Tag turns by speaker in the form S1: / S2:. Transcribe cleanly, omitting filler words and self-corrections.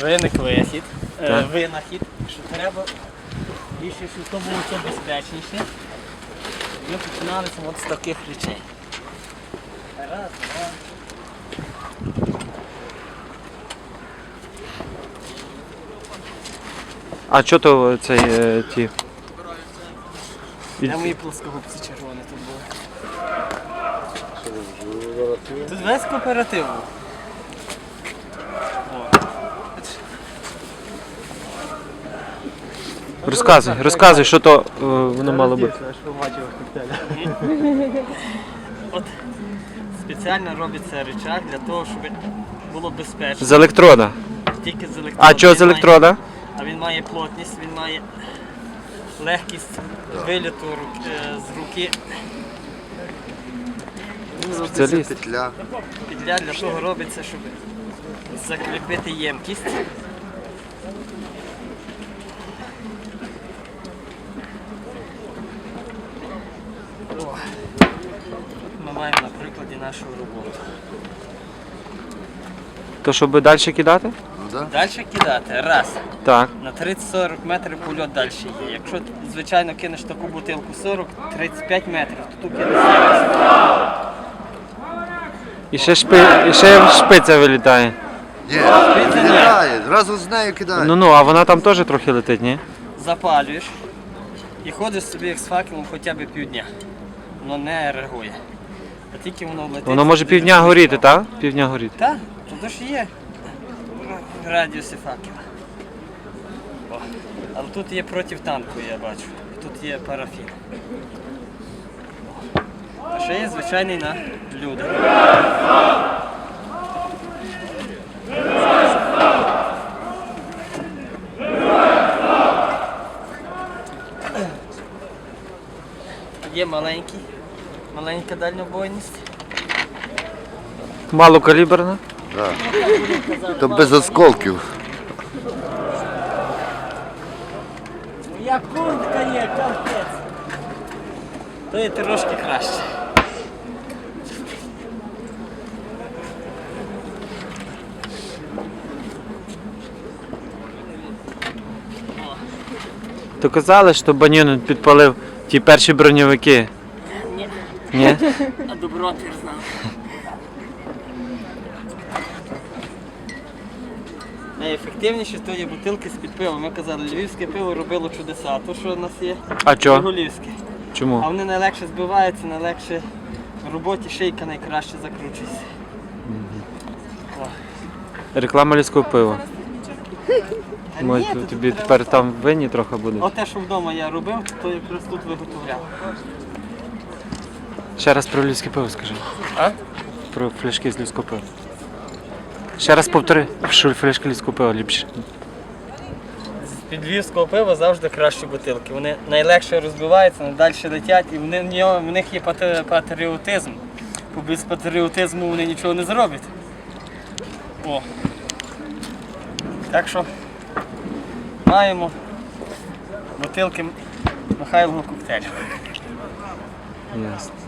S1: виник винахід, що треба більше, щоб то було все безпечніше. Ми починалися от з таких речей. Раз, два.
S2: А що то цей ті?
S1: Де мої плоскогубці червоні тут були? Тут весь кооператив був.
S2: Розказуй, що то воно мало бути.
S1: От спеціально робиться рычаг для того, щоб було безпечно.
S2: З електрода.
S1: Тільки з електрода.
S2: А чого з електрода?
S1: А він має плотність, він має легкість виліту з руки.
S2: Спеціаліст.
S1: Петля для того робиться, щоб закріпити ємкість. Ми маємо на прикладі нашу роботу.
S2: То щоб далі кидати?
S1: Далі кидати. Раз.
S2: Так.
S1: На 30-40 метрів польот далі є. Якщо, звичайно, кинеш таку бутилку 40-35 метрів, то тут кинеш 70.
S2: І ще шпиця вилітає.
S3: Ні, кидає, зразу з нею кидає.
S2: Ну, а вона там теж трохи летить, ні?
S1: Запалюєш і ходиш собі як з факелом хоча б півдня. Воно не реагує. А тільки воно летить.
S2: Воно може півдня горіти, так? Півдня горіти.
S1: Так, тут ж є радіуси факела. О. Але тут є протитанку, я бачу. Тут є парафін. А ще є звичайний на люди. Є маленька дальнобойність.
S2: Малокаліберна?
S3: Так. То без осколків.
S1: Моя куртка є, капець. То є трошки краще.
S2: То казали, що Банюнин підпалив ті перші броньовики.
S1: Ні.
S2: Ні?
S1: А добротер знав. Найефективніші то є бутилки з-під пива. Ми казали, львівське пиво робило чудеса. А то, що у нас є,
S2: А чого?
S1: Жигулівське. А
S2: Чому?
S1: вони найлегше збиваються, найлегше в роботі шийка найкраще закручується.
S2: Реклама львівського пива.
S1: А
S2: Може,
S1: ні, тут
S2: тобі
S1: треба-
S2: тепер там винні трохи буде.
S1: От те, що вдома я робив, то якраз тут виготовляв.
S2: Ще раз про львівське пиво скажи.
S1: А?
S2: Про фляшки з львівського пива. Ще раз повтори, що фляшки львівського пива ліпше.
S1: З-під львівського пива завжди кращі бутилки. Вони найлегше розбиваються, найдальше летять, і в них є патріотизм. Бо без патріотизму вони нічого не зроблять. О. Так що маємо бутилки Михайлового коктейлю.
S2: Ясно.